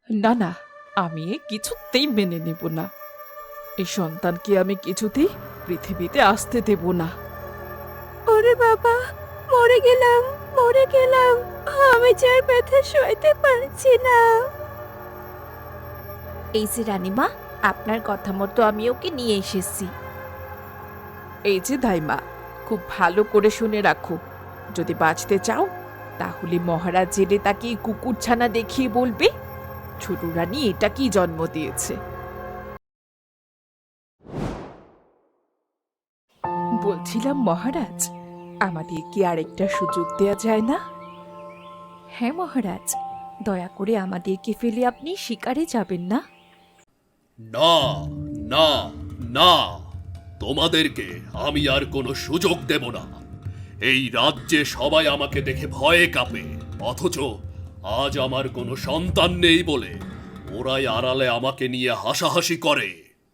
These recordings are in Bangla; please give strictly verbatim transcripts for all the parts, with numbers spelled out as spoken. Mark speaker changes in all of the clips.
Speaker 1: না না, আমি এ কিছুতেই মেনে নেব না। এই সন্তানকে আমি কিছুতেই পৃথিবীতে আসতে দেব না।
Speaker 2: ওরে বাবা, মরে গেলাম, মরে গেলাম। আমি যে আর ব্যথা সইতে পারছি না। এই যে রানীমা, আপনার কথা মতো আমি ওকে নিয়ে এসেছি।
Speaker 1: এই যে দাইমা, খুব ভালো করে শুনে রাখো। যদি বাঁচতে চাও তাহলে মহারাজ জেলে তাকে এই কুকুরছানা দেখিয়ে বলবে ছোট রানী এটা কি জন্ম দিয়েছে। বলছিলাম মহারাজ, আমাদের কি আরেকটা সুযোগ দেয়া যায় না?
Speaker 2: হ্যাঁ মহারাজ, দয়া করে আমাদেরকে ফেলে আপনি শিকারে যাবেন না।
Speaker 3: না, না, না, তোমাদেরকে আমি আর কোনো সুযোগ দেব না। এই রাজ্যে সবাই আমাকে দেখে ভয়ে কাঁপে, অথচ আজ আমার কোনো সন্তান নেই বলে ওরাই আড়ালে আমাকে নিয়ে হাসাহাসি করে।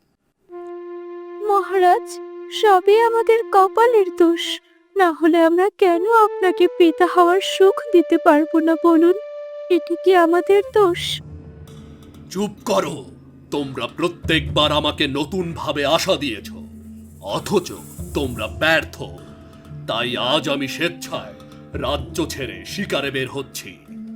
Speaker 2: মহারাজ, সবই আমাদের কপালের দোষ। না হলে আমরা কেন আপনাকে পিতা হওয়ার সুখ দিতে পারবো না বলুন? এটা কি আমাদের দোষ?
Speaker 3: চুপ করো। তোমরা প্রত্যেকবার আমাকে নতুন ভাবে আশা দিয়েছ, অথচ তোমরা ব্যর্থ। তাই আজ আমি স্বেচ্ছায় রাজ্য ছেড়ে শিকারে বের হচ্ছি।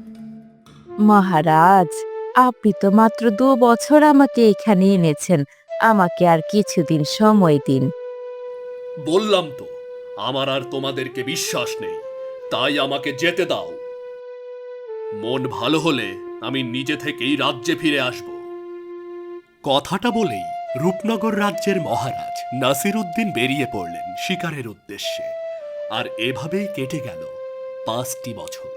Speaker 4: মহারাজ, আপনি তো মাত্র দু বছর আমাকে এখানে এনেছেন। আমাকে আর কিছুদিন সময় দিন।
Speaker 3: বললাম তো, আমার আর তোমাদেরকে বিশ্বাস নেই, তাই আমাকে যেতে দাও। মন ভালো হলে আমি নিজে থেকেই রাজ্যে ফিরে আসব। কথাটা বলেই রূপনগর রাজ্যের মহারাজ নাসিরউদ্দিন বেরিয়ে পড়লেন শিকারের উদ্দেশ্যে। আর এভাবেই কেটে গেল পাঁচটি বছর।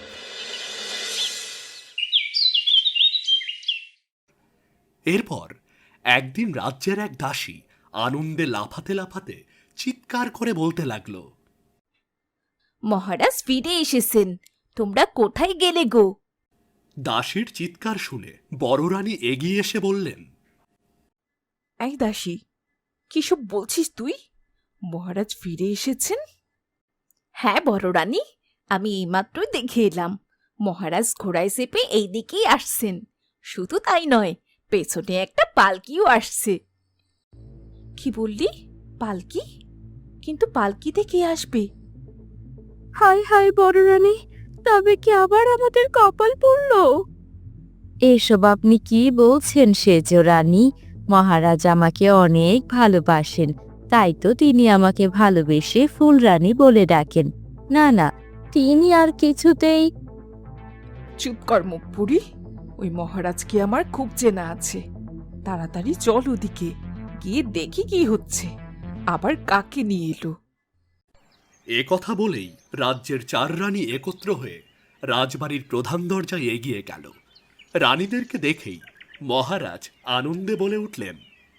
Speaker 3: এরপর একদিন রাজ্যের এক দাসী আনন্দে লাফাতে লাফাতে চিৎকার করে বলতে লাগলো,
Speaker 2: মহারাজ ফিরে এসেছেন। তোমরা কোথায় গেলে গো?
Speaker 3: দাসীর চিৎকার শুনে বড় রানী এগিয়ে এসে বললেন,
Speaker 1: এই দাসী, কিসব বলছিস তুই? মহারাজ ফিরে এসেছেন?
Speaker 2: হ্যাঁ বড় রানী, আমি এইমাত্রই দেখে এলাম। মহারাজ ঘোড়ায় চেপে এই দিকেই আসছেন। শুধু তাই নয়, পেছনে একটা পালকিও আসছে।
Speaker 1: কি বললি? পালকি? কিন্তু পালকিতে কে আসবে?
Speaker 2: হায় হায় বড় রানী, তবে কি আবার আমাদের কপাল পড়লো?
Speaker 4: এসব আপনি কি বলছেন সেজ রানী? মহারাজ আমাকে অনেক ভালোবাসেন, তাই তো তিনি আমাকে ভালোবেসে ফুলরানী বলে ডাকেন। না না, তিনি আর কিছুতেই।
Speaker 1: চুপ কর মুখ পুরি। ওই মহারাজকে আমার খুব চেনা আছে। তাড়াতাড়ি চল ওদিকে, গিয়ে দেখি কি হচ্ছে, আবার কাকে নিয়ে এলো।
Speaker 3: এ কথা বলেই রাজ্যের চার রানী একত্র হয়ে রাজবাড়ির প্রধান দরজায় এগিয়ে গেল। রানীদেরকে দেখেই মহারাজ আনন্দে বলে উঠলেন,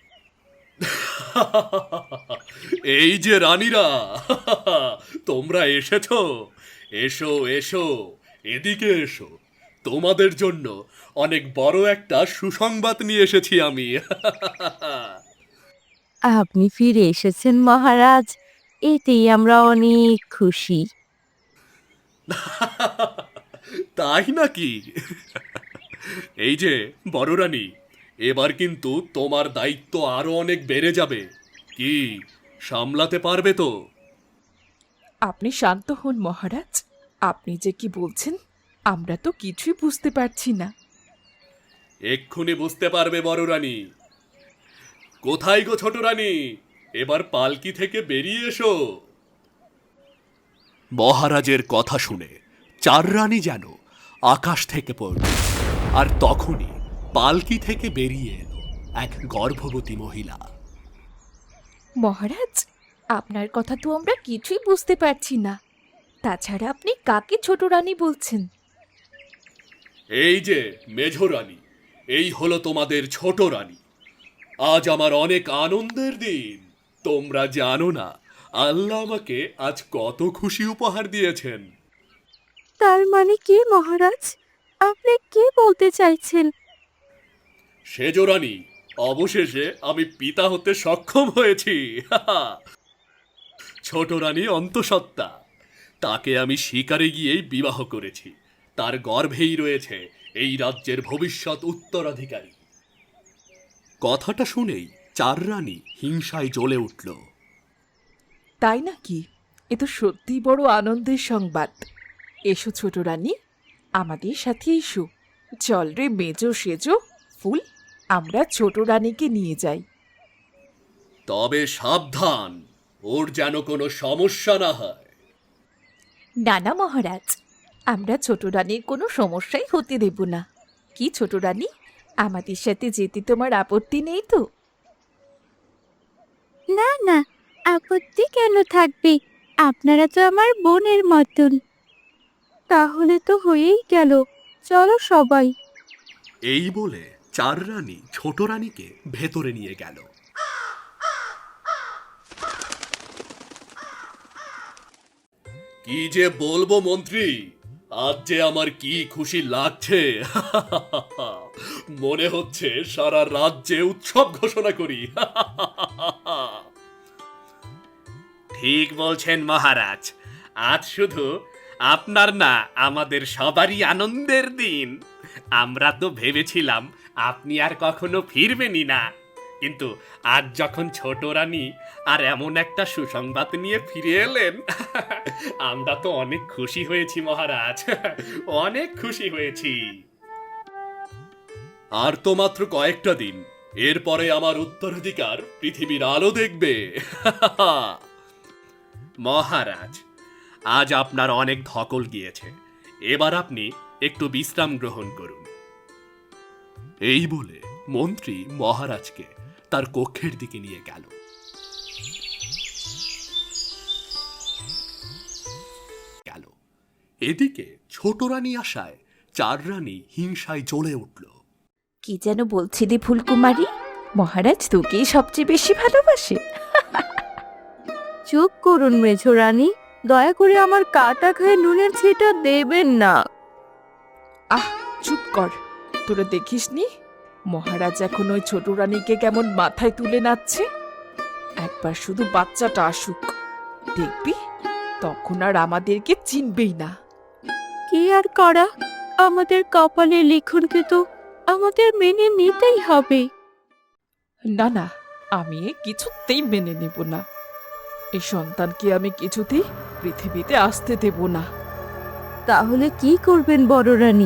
Speaker 3: এই যে রানীরা, তোমরা এসেছো। এসো এসো, এদিকে এসো। তোমাদের জন্য অনেক বড় একটা সুসংবাদ নিয়ে এসেছি আমি।
Speaker 4: আপনি ফিরে এসেছেন মহারাজ, এতেই আমরা অনেক খুশি।
Speaker 3: তাই নাকি? এই যে বড় রানী, এবার কিন্তু তোমার দায়িত্ব আরো অনেক বেড়ে যাবে। কি সামলাতে পারবে তো?
Speaker 1: আপনি শান্ত হন মহারাজ। আপনি যে কি বলছেন আমরা তো কিছুই বুঝতে পারছি না।
Speaker 3: এক্ষুনি বুঝতে পারবে বড় রানী। কোথায় গো ছোট রানী, এবার পালকি থেকে বেরিয়ে এসো। মহারাজের কথা শুনে চার রানী যেন আকাশ থেকে পড়ল। আর তখনই পালকি থেকে বেরিয়ে এলো এক গর্ভবতী মহিলা।
Speaker 2: মহারাজ, আপনার কথা তো আমরা কিছুই বুঝতে পারছি না। তাছাড়া আপনি কাকে ছোট রানী বলছেন?
Speaker 3: এই যে মেঝ রানী, এই হলো তোমাদের ছোট রানী। আজ আমার অনেক আনন্দের দিন। তোমরা জানো না আল্লাহ আমাকে আজ কত খুশি উপহার দিয়েছেন।
Speaker 2: তার মানে কি মহারাজ? আপনি কি বলতে চাইছেন?
Speaker 3: সেজ রানী, অবশেষে আমি পিতা হতে সক্ষম হয়েছি। ছোট রানী অন্তঃসত্ত্বা, তাকে আমি শিকারে গিয়েই বিবাহ করেছি। তার গর্ভেই রয়েছে এই রাজ্যের ভবিষ্যৎ উত্তরাধিকারী। কথাটা শুনেই চার রানী হিংসায় জ্বলে উঠল।
Speaker 1: তাই নাকি? এ তো সত্যি বড় আনন্দের সংবাদ। এসো ছোট রানী, আমাদের সাথে এসো। চল রে মেজো সেজো ফুল, আমরা ছোট রানীকে নিয়ে যাই।
Speaker 3: তবে সাবধান, ওর যেন কোনো সমস্যা না হয়।
Speaker 2: নানা মহারাজ, আমরা ছোট রানীর কোনো সমস্যাই হতে দেব না। কি ছোট রানী, আমাদের সাথে যেতে তোমার আপত্তি নেই তো?
Speaker 4: না না, আপত্তি কেন থাকবে? আপনারা তো আমার বোনের মতন। তাহলে তো হয়েই গেল, চলো সবাই।
Speaker 3: এই বলে চার রানী ছোট রানীকে ভেতরে নিয়ে গেল। কি যে বলবো মন্ত্রী, আজ যে আমার কি খুশি লাগছে। মনে হচ্ছে সারা রাজ্যে উৎসব ঘোষণা করি। ঠিক বলছেন মহারাজ, আজ শুধু আপনার না, আমাদের সবারই আনন্দের দিন। আমরা তো ভেবেছিলাম আপনি আর কখনো ফিরবেনই না, কিন্তু আজ যখন ছোট রানী আর এমন একটা সুসংবাদ নিয়ে ফিরে এলেন, আমরা তো অনেক খুশি হয়েছি মহারাজ, অনেক খুশি হয়েছি। আর তো মাত্র কয়েকটা দিন, এরপরে আমার উত্তরাধিকার পৃথিবীর আলো দেখবে। মহারাজ, আজ আপনার অনেক ধকল গিয়েছে, এবার আপনি একটু বিশ্রাম গ্রহণ করুন। এই বলে মন্ত্রী মহারাজকে তার কক্ষের দিকে নিয়ে গেল। গেল এদিকে ছোট রানী আসায় চার রানী হিংসায় জ্বলে উঠল।
Speaker 2: কি যেন বলছিলি ফুলকুমারী, মহারাজ তোকেই সবচেয়ে বেশি ভালোবাসে।
Speaker 4: চুপ করুন মেঝো রানী, দয়া করে আমার কাটা খায় নুনের ছিটা দেবেন না।
Speaker 1: আহ, চুপ কর। তোরা দেখিসনি মহারাজ এখন ওই ছোট রানীকে কেমন মাথায় তুলে নাচছে? একবার শুধু বাচ্চাটা আসুক, দেখবি তখন আর আমাদেরকে চিনবেই না।
Speaker 4: কি আর করা, আমাদের কপালে লিখনকে তো আমাদের মেনে নিতেই হবে।
Speaker 1: না না, আমি এ কিছুতেই মেনে নেব না। এই সন্তানকে আমি কিছুতেই পৃথিবীতে আসতে দেব না।
Speaker 4: তাহলে কি করবেন বড় রানী?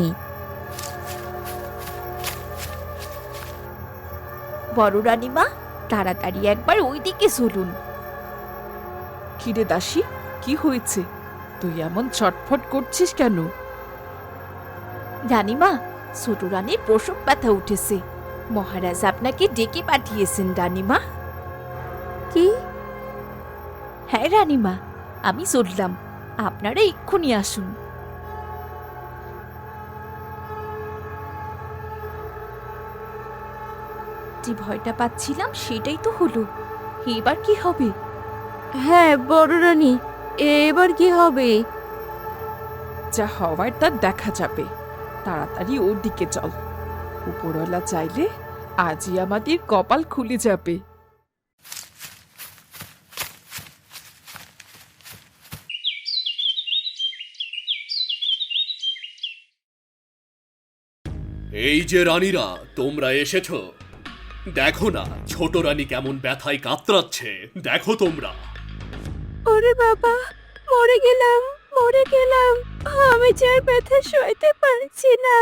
Speaker 2: বড় রানীমা, তাড়াতাড়ি একবার ওইদিকে চলুন।
Speaker 1: কিরে দাসী, কি হয়েছে? তুই এমন ছটফট করছিস কেন?
Speaker 2: রানীমা, ছোট রানীর প্রসব ব্যথা উঠেছে। মহারাজ আপনাকে ডেকে পাঠিয়েছেন রানীমা।
Speaker 4: কি?
Speaker 2: হ্যাঁ রানীমা, আমি চললাম, আপনারা এক্ষুনি আসুন। যে ভয়টা পাচ্ছিলাম সেটাই তো হলো। এবার কি হবে?
Speaker 4: হ্যাঁ বড় রানী, এবার কি হবে?
Speaker 1: যা হওয়ার তা দেখা যাবে। তাড়াতাড়ি ওর দিকে চল। উপরওয়ালা চাইলে আজই আমাদের কপাল খুলে যাবে।
Speaker 3: এই যে রানীরা, তোমরা এসেছ, দেখো না ছোট রানী কেমন ব্যথায় কাতরাচ্ছে, দেখো তোমরা।
Speaker 4: ওরে বাবা, মরে গেলাম, মরে গেলাম, আমি যে আর ব্যথা সইতে পারছি না।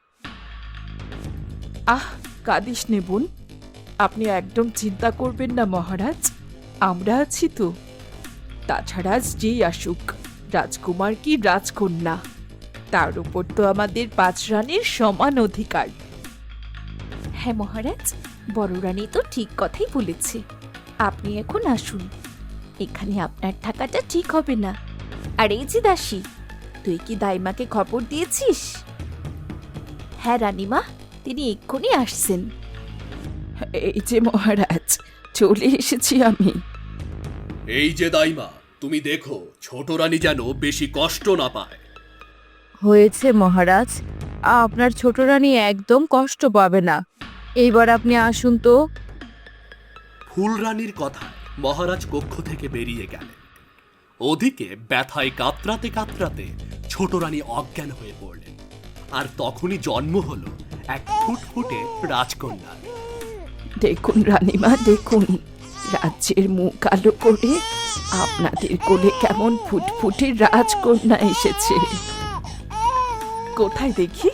Speaker 1: আহ, কাঁদিস নে বোন, আপনি একদম চিন্তা করবেন না মহারাজ, আমরা আছি তো। তাছাড়া আজ যেই আসুক, রাজকুমার কি রাজকন্যা, তার উপর তো আমাদের পাঁচ রানীর সমান অধিকার।
Speaker 2: হ্যাঁ মহারাজ, বড় রানী তো ঠিক কথাই বলেছে। আপনি এখন আসুন, এখানে আপনার থাকাটা ঠিক হবে না। আর এই যে দাসী, তুই কি দাইমাকে খবর দিয়েছিস? হ্যাঁ রানীমা, তিনি এক্ষুনি আসছেন।
Speaker 1: এই যে মহারাজ, চলে এসেছি আমি।
Speaker 3: এই যে দাইমা, তুমি দেখো ছোট রানী যেন বেশি কষ্ট না পায়।
Speaker 4: হয়েছে মহারাজ, আপনার ছোট রানী একদম কষ্ট পাবে না। এইবার আপনি আসুন তো।
Speaker 3: ফুল রানীর কথায় মহারাজ কক্ষ থেকে বেরিয়ে গেলেন। ওদিকে ব্যথায় কাতরাতে কাতরাতে ছোট রানী অজ্ঞান হয়ে পড়লেন। আর তখনই জন্ম হলো এক ফুটফুটে রাজকন্যার।
Speaker 1: দেখুন রানীমা, দেখুন রাজ্যের মুখ আলো করে আপনাদের কোলে কেমন ফুটফুটে রাজকন্যা এসেছে। কোথায় দেখি?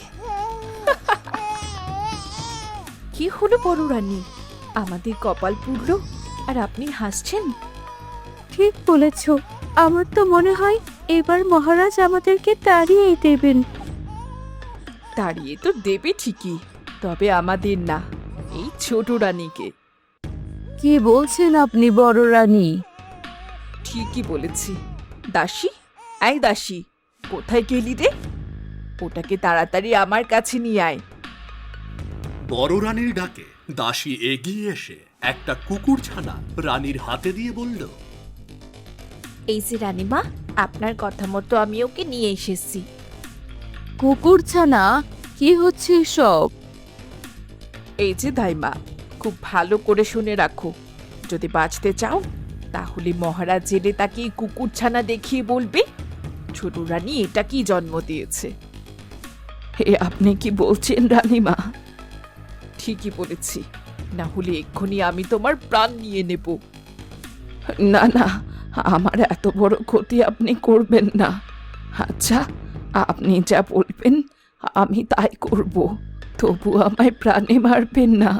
Speaker 2: কি হলো বড় রানী, আমাদের কপাল পুড়ল আর আপনি হাসছেন?
Speaker 4: ঠিক বলেছ, আমার তো মনে হয় এবার মহারাজ আমাদেরকে তাড়িয়েই দেবেন।
Speaker 1: তাড়িয়ে তো দেবে ঠিকই, তবে আমাদের না, এই ছোট রানীকে।
Speaker 4: কি বলছেন আপনি বড় রানী?
Speaker 1: ঠিকই বলেছি। দাসী, এই দাসী, কোথায় গেলি রে? ওটাকে তাড়াতাড়ি আমার কাছে নিয়ে আয়।
Speaker 3: বড় রানীর ডাকে দাসী এগিয়ে এসে একটা কুকুর ছানা রানীর হাতে দিয়ে বলল,
Speaker 2: এই যে রানীমা, আপনার কথা মতো আমি ওকে নিয়ে এসেছি।
Speaker 4: কুকুরছানা, কি হচ্ছে সব?
Speaker 1: এই যে দাইমা, খুব ভালো করে শুনে রাখো, যদি বাঁচতে চাও তাহলে মহারাজ জেলে তাকে এই কুকুরছানা দেখিয়ে বলবে ছোট রানী এটা কি জন্ম দিয়েছে। হে, আপনি কি বলছেন রানীমা? ঠিকই বলেছি, না হলে এক্ষুনি আমি তোমার প্রাণ নিয়ে নেব। না না, আমার এত বড় ক্ষতি আপনি করবেন না। আচ্ছা, আপনি যা বলবেন আমি তাই করব, তবু আমায় প্রাণে মারবেন না।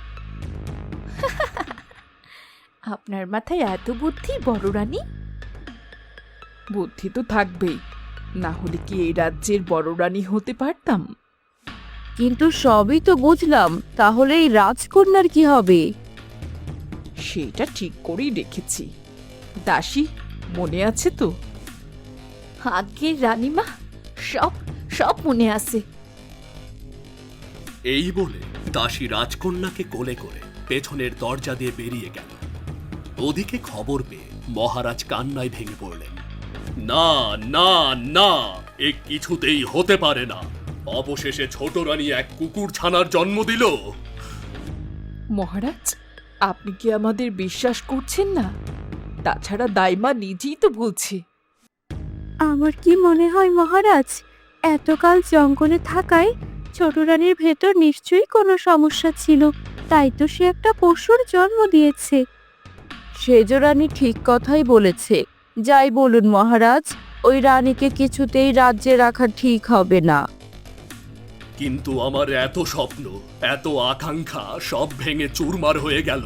Speaker 2: আপনার মাথায় এত বুদ্ধি বড় রানী?
Speaker 1: বুদ্ধি তো থাকবেই, না হলে কি এই রাজ্যের বড় রানী হতে পারতাম?
Speaker 4: কিন্তু সবই তো বুঝলাম, তাহলে এই রাজকন্যার কি হবে?
Speaker 1: সেটা ঠিক করেই রেখেছি। দাসী, মনে আছে তো?
Speaker 2: আগে রানীমা, সব সব মনে আছে।
Speaker 3: এই বলে দাসী রাজকন্যাকে কোলে করে পেছনের দরজা দিয়ে বেরিয়ে গেল। ওদিকে খবর পেয়ে মহারাজ কান্নায় ভেঙে পড়লেন। না না না, এ কিছুতেই হতে পারে না। অবশেষে ছোট রানী এক কুকুর ছানার জন্ম দিল।
Speaker 1: মহারাজ, আপনি কি আমাদের বিশ্বাস করছেন না? তাছাড়া দাইমা নিজেই তো বলছে।
Speaker 4: আমার কি মনে হয় মহারাজ, এতকাল জঙ্গলে থাকায় ছোট রানীর ভেতর নিশ্চয়ই কোনো সমস্যা ছিল, তাই তো সে একটা পশুর জন্ম দিয়েছে। সেজ রানী ঠিক কথাই বলেছে। যাই বলুন মহারাজ, ওই রানীকে কিছুতেই রাজ্যে রাখা ঠিক হবে না।
Speaker 3: কিন্তু আমার এত স্বপ্ন, এত আকাঙ্ক্ষা সব ভেঙে চুরমার হয়ে গেল।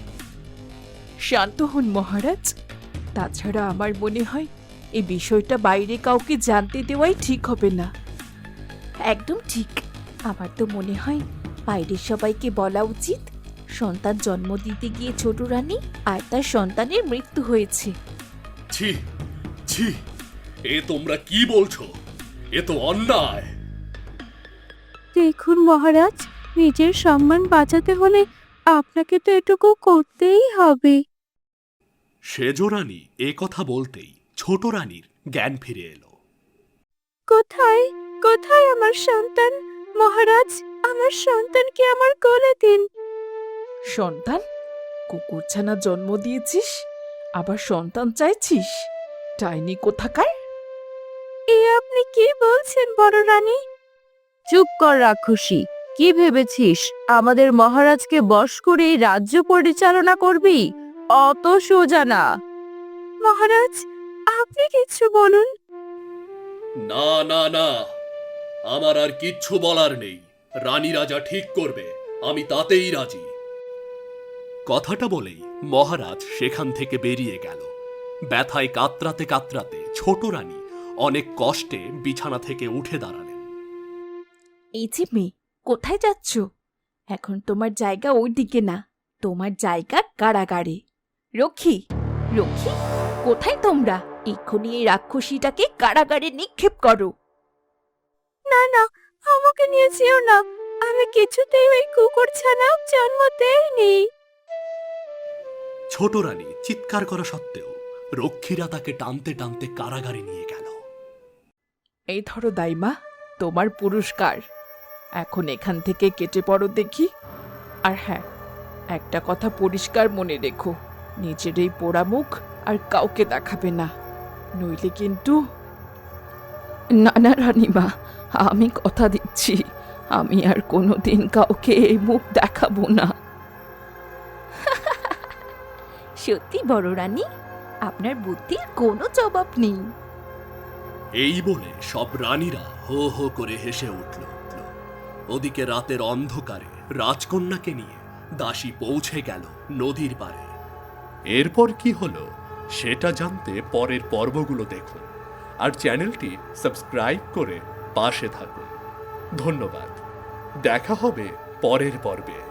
Speaker 1: শান্ত হন মহারাজ। তাছাড়া আমার মনে হয় এই বিষয়টা বাইরে কাউকে জানতে দেওয়াই ঠিক হবে না।
Speaker 2: একদম ঠিক, আমার তো মনে হয় বাইরের সবাইকে বলা উচিত সন্তান জন্ম দিতে গিয়ে ছোট রানী আর তার সন্তানের মৃত্যু হয়েছে।
Speaker 3: ছি ছি, এ তোমরা কি বলছো? এ তো অন্যায়।
Speaker 4: দেখুন মহারাজ, নিজের সম্মান বাঁচাতে হলে আপনাকে তো এটুকু করতেই হবে।
Speaker 3: সেজ রানী এ কথা বলতেই ছোট রানীর জ্ঞান ফিরে এলো।
Speaker 4: কোথায় কোথায় আমার সন্তান? মহারাজ, আমার সন্তানকে আমার কোলে দিন।
Speaker 1: সন্তান? কুকুরছানা জন্ম দিয়েছিস, আবার সন্তান চাইছিস? ডাইনি কোথাকার!
Speaker 4: এ আপনি কি বলছেন বড় রানী? চুপ কর রাক্ষসী, কি ভেবেছিস আমাদের মহারাজকে বশ করে এই রাজ্য পরিচালনা করবি? অত সোজা না। মহারাজ, আপনি কিছু বলুন।
Speaker 3: না না না, আমার আর কিচ্ছু বলার নেই। রানী রাজা ঠিক করবে, আমি তাতেই রাজি। কথাটা বলেই মহারাজ সেখান থেকে বেরিয়ে গেল। ব্যথায় কাতরাতে কাতরাতে ছোট রানী অনেক কষ্টে বিছানা থেকে উঠে দাঁড়ালেন।
Speaker 2: এই যে মেয়ে, কোথায় যাচ্ছ? এখন তোমার জায়গা ওই দিকে না, তোমার জায়গা কারাগারে। রক্ষী, রক্ষী, কোথায় তোমরা? এক্ষুনি এই রাক্ষসীটাকে কারাগারে নিক্ষেপ করো।
Speaker 4: না না, আমাকে নিয়ে যেও না, আমি কিছুতেই ওই কুকুর ছানা জন্ম দেইনি।
Speaker 3: ছোট রানী চিৎকার করা সত্ত্বেও রক্ষীরা তাকে টানতে টানতে কারাগারে নিয়ে গেল।
Speaker 1: এই ধরো দাইমা, তোমার পুরস্কার। এখন এখান থেকে কেটে পড়ো দেখি। আর হ্যাঁ, একটা কথা পরিষ্কার মনে রেখো, নিজের এই পোড়া মুখ আর কাউকে দেখাবে না, নইলে কিন্তু। না না রানীমা, আমি কথা দিচ্ছি আমি আর কোনোদিন কাউকে এই মুখ দেখাবো না।
Speaker 2: সত্যি বড় রানী, আপনার বুদ্ধির কোনো জবাব নেই।
Speaker 3: এই বলে সব রানীরা হো হো করে হেসে উঠল। ওদিকে রাতের অন্ধকারে রাজকন্যাকে নিয়ে দাসী পৌঁছে গেল নদীর পাড়ে। এরপর কি হলো সেটা জানতে পরের পর্বগুলো দেখুন, আর চ্যানেলটি সাবস্ক্রাইব করে পাশে থাকুন। ধন্যবাদ, দেখা হবে পরের পর্বে।